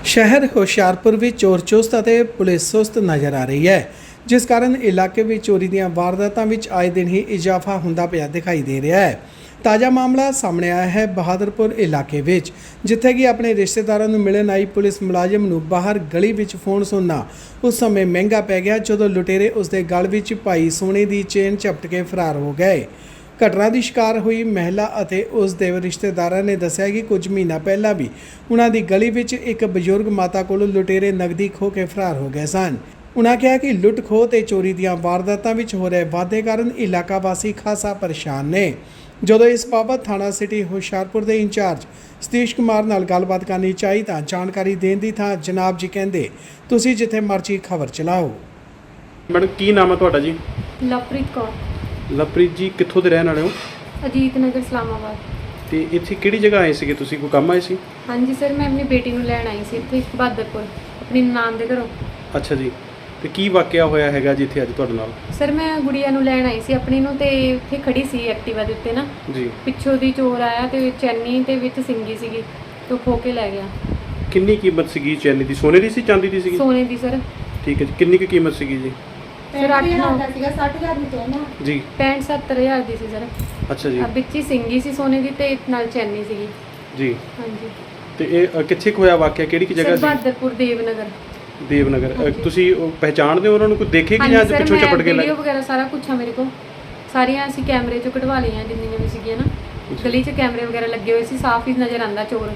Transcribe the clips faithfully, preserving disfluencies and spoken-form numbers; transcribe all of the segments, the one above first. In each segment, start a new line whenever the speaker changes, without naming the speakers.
शहर ਹੁਸ਼ਿਆਰਪੁਰ ਵਿੱਚ ਚੋਰ ਚੁਸਤ ਅਤੇ ਪੁਲਿਸ ਸੁਸਤ ਨਜ਼ਰ ਆ ਰਹੀ ਹੈ, ਜਿਸ ਕਾਰਨ ਇਲਾਕੇ ਵਿੱਚ ਚੋਰੀ ਦੀਆਂ ਵਾਰਦਾਤਾਂ ਵਿੱਚ ਆਏ ਦਿਨ ਹੀ ਇਜ਼ਾਫਾ ਹੁੰਦਾ ਪਿਆ ਦਿਖਾਈ ਦੇ ਰਿਹਾ ਹੈ। ਤਾਜ਼ਾ ਮਾਮਲਾ ਸਾਹਮਣੇ ਆਇਆ ਹੈ ਬਹਾਦਰਪੁਰ ਇਲਾਕੇ ਵਿੱਚ, ਜਿੱਥੇ ਕਿ ਆਪਣੇ ਰਿਸ਼ਤੇਦਾਰਾਂ ਨੂੰ ਮਿਲਣ ਆਈ ਪੁਲਿਸ ਮੁਲਾਜ਼ਮ ਨੂੰ ਬਾਹਰ ਗਲੀ ਵਿੱਚ ਫੋਨ ਸੁਣਨਾ ਉਸ ਸਮੇਂ ਮਹਿੰਗਾ ਪੈ ਗਿਆ ਜਦੋਂ ਲੁਟੇਰੇ ਉਸ ਦੇ ਗਲ ਵਿੱਚ ਪਾਈ ਸੋਨੇ ਦੀ ਚੇਨ ਝਪਟ ਕੇ ਫਰਾਰ ਹੋ ਗਏ। ਘਟਨਾ ਦੀ ਸ਼ਿਕਾਰ ਹੋਈ ਮਹਿਲਾ ਅਤੇ ਉਸ ਦੇ ਰਿਸ਼ਤੇਦਾਰਾਂ ਨੇ ਦੱਸਿਆ ਕਿ ਕੁਝ ਮਹੀਨਾ ਪਹਿਲਾਂ ਵੀ ਉਹਨਾਂ ਦੀ ਗਲੀ ਵਿੱਚ ਇੱਕ ਬਜ਼ੁਰਗ ਮਾਤਾ ਕੋਲੋਂ ਲੁਟੇਰੇ ਨਕਦੀ ਖੋਹ ਕੇ ਫਰਾਰ ਹੋ ਗਏ ਸਨ। ਉਹਨਾਂ ਕਿਹਾ ਕਿ ਲੁੱਟ ਖੋਹ ਤੇ ਚੋਰੀ ਦੀਆਂ ਵਾਰਦਾਤਾਂ ਵਿੱਚ ਹੋ ਰਹੇ ਵਾਧੇ ਕਾਰਨ ਇਲਾਕਾ ਵਾਸੀ ਖਾਸਾ ਪਰੇਸ਼ਾਨ ਨੇ। ਜਦੋਂ ਇਸ ਬਾਬਤ ਥਾਣਾ ਸਿਟੀ ਹੁਸ਼ਿਆਰਪੁਰ ਦੇ ਇੰਚਾਰਜ ਸਤੀਸ਼ ਕੁਮਾਰ ਨਾਲ ਗੱਲਬਾਤ ਕਰਨੀ ਚਾਹੀ ਤਾਂ ਜਾਣਕਾਰੀ ਦੇਣ ਦੀ ਥਾਂ ਜਨਾਬ ਜੀ ਕਹਿੰਦੇ ਤੁਸੀਂ ਜਿੱਥੇ ਮਰਜ਼ੀ ਖਬਰ ਚਲਾਓ।
ਮੈਡਮ ਕੀ ਨਾਮ ਹੈ ਤੁਹਾਡਾ ਜੀ?
ਲਵਪ੍ਰੀਤ ਕੌਰ।
ਲਵਪ੍ਰੀਤ ਜੀ ਕਿੱਥੋਂ ਦੇ ਰਹਿਣ ਵਾਲੇ ਹੋ?
ਅਜੀਤ ਨਗਰ ਇਸਲਾਮਾਬਾਦ।
ਤੇ ਇੱਥੇ ਕਿਹੜੀ ਜਗ੍ਹਾ ਆਏ ਸੀਗੇ ਤੁਸੀਂ? ਕੋਈ ਕੰਮ ਆਏ ਸੀ?
ਹਾਂਜੀ ਸਰ, ਮੈਂ ਆਪਣੀ ਬੇਟੀ ਨੂੰ ਲੈਣ ਆਈ ਸੀ ਇੱਥੇ ਬਹਾਦਰਪੁਰ ਆਪਣੀ ਨਾਨ ਦੇ ਘਰੋਂ।
ਅੱਛਾ ਜੀ, ਤੇ ਕੀ ਵਾਕਿਆ ਹੋਇਆ ਹੈਗਾ ਜੀ ਇੱਥੇ ਅੱਜ ਤੁਹਾਡੇ ਨਾਲ?
ਸਰ ਮੈਂ ਗੁੜੀਆ ਨੂੰ ਲੈਣ ਆਈ ਸੀ ਆਪਣੀ ਨੂੰ, ਤੇ ਉੱਥੇ ਖੜੀ ਸੀ ਐਕਟਿਵਾ ਦੇ ਉੱਤੇ ਨਾ
ਜੀ,
ਪਿੱਛੋਂ ਦੀ ਚੋਰ ਆਇਆ ਤੇ ਚੈਨੀ ਤੇ ਵਿੱਚ ਸਿੰਗੀ ਸੀਗੀ ਤੇ ਉਹ ਖੋ ਕੇ ਲੈ ਗਿਆ।
ਕਿੰਨੀ ਕੀਮਤ ਸੀਗੀ ਚੈਨੀ ਦੀ? ਸੋਨੇ ਦੀ ਸੀ ਚਾਂਦੀ ਦੀ ਸੀਗੀ?
ਸੋਨੇ ਦੀ ਸਰ।
ਠੀਕ ਹੈ ਜੀ, ਕਿੰਨੀ ਕੁ ਕੀਮਤ ਸੀਗੀ ਜੀ?
ਸਰ ਅੱਠ ਨੌ
ਸੀਗਾ ਸੱਠ ਹਜ਼ਾਰ ਦੀ ਚੈਨ ਆ
ਜੀ।
ਪੈਂਹਠ ਸੱਤਰ ਹਜ਼ਾਰ ਦੀ ਸੀ ਸਰ।
ਅੱਛਾ ਜੀ,
ਆ ਵਿੱਚ ਹੀ ਸਿੰਗੀ ਸੀ ਸੋਨੇ ਦੀ ਤੇ ਨਾਲ ਚੈਨੀ ਸੀਗੀ
ਜੀ।
ਹਾਂਜੀ।
ਤੇ ਇਹ ਅ, ਕਿੱਥੇ ਕੁ ਹੋਇਆ ਵਾਕਿਆ? ਕਿਹੜੀ ਕਿ ਜਗ੍ਹਾ
ਸਰ
ਸੀ?
ਬਹਾਦਰਪੁਰ ਦੇਵਨਗਰ।
ਦੇਵਨਗਰ। ਅ,
ਹਾਂਜੀ।
ਤੁਸੀਂ ਉਹ ਪਹਿਚਾਣਦੇ ਹੋ ਉਹਨਾਂ ਨੂੰ? ਕੋਈ ਦੇਖੇ ਕਿ
ਹਾਂਜੀ
ਜਾਂ
ਸਰ,
ਪਿੱਛੋਂ
ਮੈਂ
ਚਪਟ ਕੇ ਲੈ?
ਵੀਡੀਓ ਵਗੈਰਾ ਸਾਰਾ ਕੁਝ ਆ ਮੇਰੇ ਕੋਲ, ਸਾਰੀਆਂ ਅਸੀਂ ਕੈਮਰੇ 'ਚੋਂ ਕਢਵਾ ਲਈਆਂ ਜਿੰਨੀਆਂ ਵੀ ਸੀਗੀਆਂ ਨਾ। ਗਲੀ 'ਚ ਕੈਮਰੇ ਵਗੈਰਾ ਲੱਗੇ ਹੋਏ ਸੀ, ਸਾਫ਼ ਹੀ ਨਜ਼ਰ ਆਉਂਦਾ ਚੋਰ।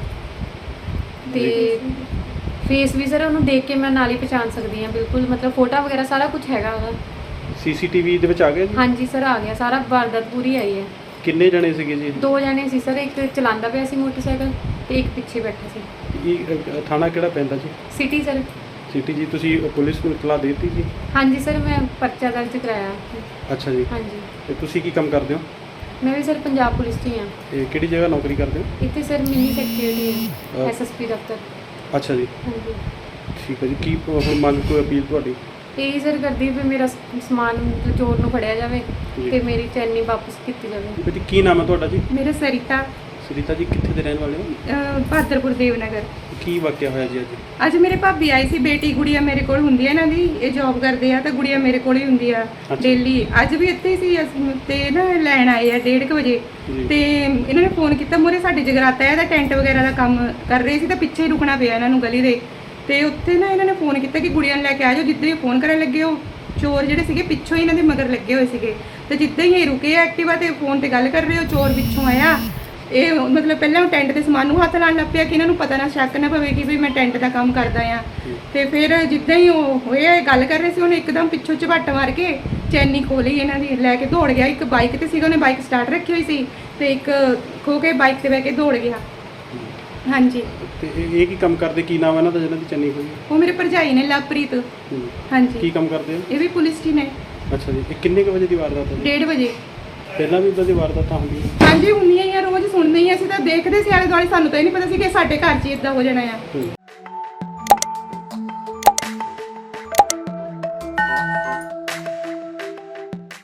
ਤੇ ਫੇਸ ਵੀ ਸਰ ਉਹਨੂੰ ਦੇਖ ਕੇ ਮੈਂ ਨਾਲ ਹੀ ਪਛਾਣ ਸਕਦੀ ਹਾਂ ਬਿਲਕੁਲ, ਮਤਲਬ ਫੋਟੋ ਵਗੈਰਾ ਸਾਰਾ ਕੁਝ ਹੈਗਾ ਉਹਦਾ।
ਸੀਸੀਟੀਵੀ ਦੇ ਵਿੱਚ ਆ ਗਿਆ ਜੀ?
ਹਾਂਜੀ ਸਰ ਆ ਗਿਆ ਸਾਰਾ, ਵਾਰਦਾਤ ਪੂਰੀ ਆਈ ਹੈ।
ਕਿੰਨੇ ਜਣੇ ਸੀਗੇ ਜੀ?
ਦੋ ਜਣੇ ਸੀ ਸਰ, ਇੱਕ ਚਲਾਉਂਦਾ ਪਿਆ ਸੀ ਮੋਟਰਸਾਈਕਲ ਤੇ ਇੱਕ ਪਿੱਛੇ ਬੈਠਾ ਸੀ।
ਇਹ ਅ, ਥਾਣਾ ਕਿਹੜਾ ਪੈਂਦਾ ਜੀ?
City sir.
ਸਿਟੀ ਜੀ। ਤੁਸੀਂ ਪੁਲਿਸ ਨੂੰ ਇਤਲਾਹ ਦੇ ਦਿੱਤੀ ਜੀ?
ਹਾਂਜੀ ਸਰ, ਮੈਂ ਪਰਚਾ ਦਰਜ ਕਰਾਇਆ।
ਅੱਛਾ ਜੀ,
ਹਾਂਜੀ।
ਤੇ ਤੁਸੀਂ ਕੀ ਕੰਮ ਕਰਦੇ ਹੋ?
ਮੈਂ ਵੀ ਸਰ ਪੰਜਾਬ ਪੁਲਿਸ 'ਚ ਹੀ ਹਾਂ।
ਤੇ ਕਿਹੜੀ ਜਗ੍ਹਾ ਨੌਕਰੀ ਕਰਦੇ ਹੋ?
ਇੱਥੇ ਸਰ ਮਿੰਨੀ ਸੈਕਟਰੀ
ਅਹ
ਹੈ, ਐਸਐਸਪੀ ਦਫ਼ਤਰ।
ਅੱਛਾ ਜੀ,
ਹਾਂਜੀ।
ਠੀਕ ਹੈ ਜੀ। ਕੀ ਹੁਣ ਮੰਗ ਕੋਈ ਅਪੀਲ ਤੁਹਾਡੀ?
ਇਹ ਸਰ ਕਰਦੀ ਵੀ ਮੇਰਾ ਸ- ਸਮਾਨ ਮਤਲਬ ਚੋਰ ਨੂੰ ਫੜਿਆ ਜਾਵੇ
ਜੀ।
ਤੇ ਮੇਰੀ ਚੈਨੀ ਵਾਪਸ ਕੀਤੀ ਜਾਵੇ।
ਜੀ ਕੀ ਨਾਮ ਹੈ ਤੁਹਾਡਾ ਜੀ?
ਮੇਰਾ ਸਰਿਤਾ
ਸੁਰੀਤਾ ਜੀ, ਕਿੱਥੇ ਦੇ ਰਹਿਣ ਵਾਲੇ ਹੋ?
ਅਹ, ਬਹਾਦਰਪੁਰ ਦੇਵਨਗਰ।
ਕੀ ਵਾਕਿਆ ਹੋਇਆ ਜੀ ਅੱਜ?
ਅੱਜ ਮੇਰੇ ਭਾਬੀ ਆਈ ਸੀ, ਬੇਟੀ ਗੁੜੀਆ ਮੇਰੇ ਕੋਲ ਹੁੰਦੀ ਹੈ ਇਹਨਾਂ ਦੀ, ਇਹ ਜੌਬ ਕਰਦੇ ਆ ਤਾਂ ਗੁੜੀਆ ਮੇਰੇ ਕੋਲ ਹੀ ਹੁੰਦੀ ਆ ਡੇਲੀ। ਅੱਜ ਵੀ ਇੱਥੇ ਹੀ ਸੀ ਅਸੀਂ, ਤੇ ਨਾ ਲੈਣ ਆਏ ਆ ਡੇਢ ਕੁ ਵਜੇ।
ਜੀ।
ਤੇ ਇਹਨਾਂ ਨੇ ਫੋਨ ਕੀਤਾ, ਮੂਹਰੇ ਸਾਡੇ ਜਗਰਾਤਾ ਹੈ ਦਾ ਟੈਂਟ ਵਗੈਰਾ ਦਾ ਕੰਮ ਕਰ ਰਹੇ ਸੀ ਤਾਂ ਪਿੱਛੇ ਹੀ ਰੁਕਣਾ ਪਿਆ ਇਹਨਾਂ ਨੂੰ ਗਲੀ ਦੇ। ਤੇ ਉੱਥੇ ਨਾ ਇਹਨਾਂ ਨੇ ਫੋਨ ਕੀਤਾ ਕਿ ਗੁੜੀਆ ਨੂੰ ਲੈ ਕੇ ਆ ਜਾਓ। ਜਿੱਦਾਂ ਹੀ ਫੋਨ ਕਰਨ ਲੱਗੇ ਉਹ ਚੋਰ ਜਿਹੜੇ ਸੀਗੇ ਪਿੱਛੋਂ ਹੀ ਇਹਨਾਂ ਦੇ ਮਗਰ ਲੱਗੇ ਹੋਏ ਸੀਗੇ। ਤੇ ਜਿੱਦਾਂ ਹੀ ਇਹ ਰੁਕੇ ਐਕਟਿਵਾ ਤੇ ਫੋਨ ਤੇ ਗੱਲ ਕਰ ਰਹੇ, ਉਹ ਚੋਰ ਪਿੱਛੋਂ ਆਇਆ। ਇਹ ਮਤਲਬ ਪਹਿਲਾਂ ਉਹ ਟੈਂਟ ਦੇ ਸਮਾਨ ਨੂੰ ਹੱਥ ਲਾਉਣ ਲੱਗ ਪਿਆ ਕਿ ਇਹਨਾਂ ਨੂੰ ਪਤਾ ਨਾ ਸ਼ੱਕ ਨਾ ਪਵੇ ਕਿ ਵੀ ਮੈਂ ਟੈਂਟ ਦਾ ਕੰਮ ਕਰਦਾ ਆ। ਤੇ ਫਿਰ ਜਿੱਦਾਂ ਹੀ ਉਹ ਹੋਏ ਗੱਲ ਕਰ ਰਹੇ ਸੀ, ਉਹਨੇ ਇੱਕਦਮ ਪਿੱਛੋਂ ਝਪੱਟ ਮਾਰ ਕੇ ਚੈਨੀ ਖੋਹ ਲਈ ਇਹਨਾਂ ਦੀ, ਲੈ ਕੇ ਦੌੜ ਗਿਆ। ਇੱਕ ਬਾਈਕ ਤੇ ਸੀਗਾ, ਉਹਨੇ ਬਾਈਕ ਸਟਾਰਟ ਰੱਖੀ ਹੋਈ ਸੀ ਤੇ ਇੱਕ ਖੋ ਕੇ ਬਾਈਕ ਤੇ ਬਹਿ ਕੇ ਦੌੜ ਗਿਆ। ਹਾਂਜੀ।
ਤੇ ਇਹ ਇਹ ਕੀ ਕੰਮ ਕਰਦੇ? ਕੀ ਨਾਮ ਹੈ ਇਹਨਾਂ ਦਾ ਜਿਹਨਾਂ ਦੀ ਚੰਨੀ ਹੋਈ?
ਉਹ ਮੇਰੇ ਭਰਜਾਈ ਨੇ ਲਵਪ੍ਰੀਤ।
ਹੂੰ।
ਹਾਂਜੀ।
ਕੀ ਕੰਮ ਕਰਦੇ ਹੋ?
ਇਹ ਵੀ ਪੁਲਿਸ 'ਚ ਹੀ ਨੇ।
ਅੱਛਾ ਜੀ, ਇਹ ਕਿੰਨੇ ਕੁ ਵਜੇ ਦੀ ਵਾਰਦਾਤ ਹੈ ਜੀ?
ਡੇਢ ਵਜੇ।
ਪਹਿਲਾਂ ਵੀ ਇਦਾਂ ਦੀ ਵਾਰਦਾਤਾਂ ਹੁੰਦੀਆਂ?
ਹਾਂਜੀ ਹੁੰਦੀਆਂ ਹੀ ਆ, ਰੋਜ਼ ਸੁਣਦੇ ਹੀ ਆ। ਅਸੀਂ ਤਾਂ ਦੇਖਦੇ ਸੀ ਆਲੇ ਦੁਆਲੇ, ਸਾਨੂੰ ਤਾਂ ਇਹ ਨਹੀਂ ਪਤਾ ਸੀ ਕਿ ਸਾਡੇ ਘਰ 'ਚ ਇਦਾਂ ਹੋ ਜਾਣਾ ਆ।
ਹੂੰ।